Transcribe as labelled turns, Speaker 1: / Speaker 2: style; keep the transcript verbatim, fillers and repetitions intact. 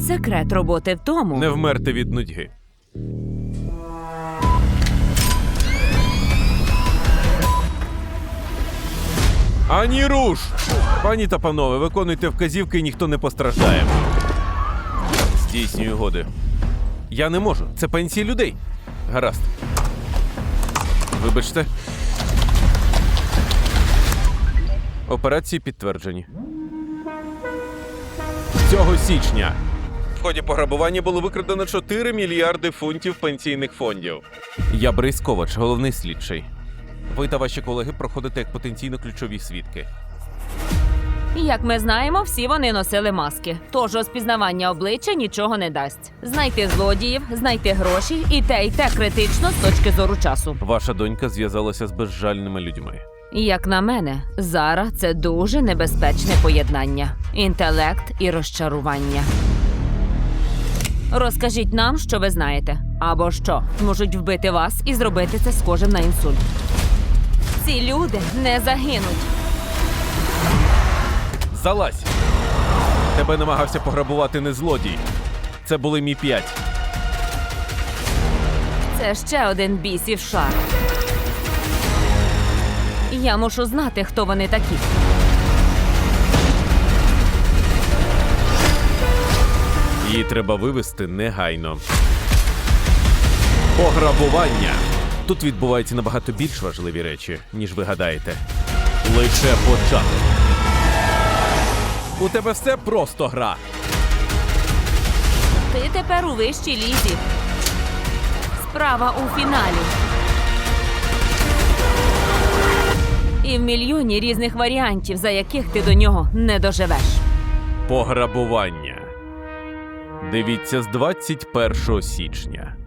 Speaker 1: Секрет роботи в тому...
Speaker 2: Не вмерти від нудьги. Ані руш! Пані та панове, виконуйте вказівки і ніхто не постраждає. Здійснюю годи. Я не можу. Це пенсії людей. Гаразд. Вибачте. Операції підтверджені. Цього січня в ході пограбування було викрадено чотири мільярди фунтів пенсійних фондів. Я Борис Ковач, головний слідчий. Ви та ваші колеги проходите як потенційно ключові свідки.
Speaker 1: Як ми знаємо, всі вони носили маски. Тож розпізнавання обличчя нічого не дасть. Знайти злодіїв, знайти гроші і те, і те критично з точки зору часу.
Speaker 2: Ваша донька зв'язалася з безжальними людьми.
Speaker 1: Як на мене, Зара – це дуже небезпечне поєднання. Інтелект і розчарування. Розкажіть нам, що ви знаєте. Або що, можуть вбити вас і зробити це схожим на інсульт. Ці люди не загинуть.
Speaker 2: Залазь! Тебе намагався пограбувати не злодій. Це були Мі п'ять.
Speaker 1: Це ще один бісів шар. Я мушу знати, хто вони такі.
Speaker 2: Її треба вивезти негайно. Пограбування! Тут відбуваються набагато більш важливі речі, ніж ви гадаєте. Лише початок. У тебе все просто гра.
Speaker 1: Ти тепер у вищій лізі. Справа у фіналі. І в мільйоні різних варіантів, за яких ти до нього не доживеш.
Speaker 2: Пограбування. Дивіться з двадцять першого січня.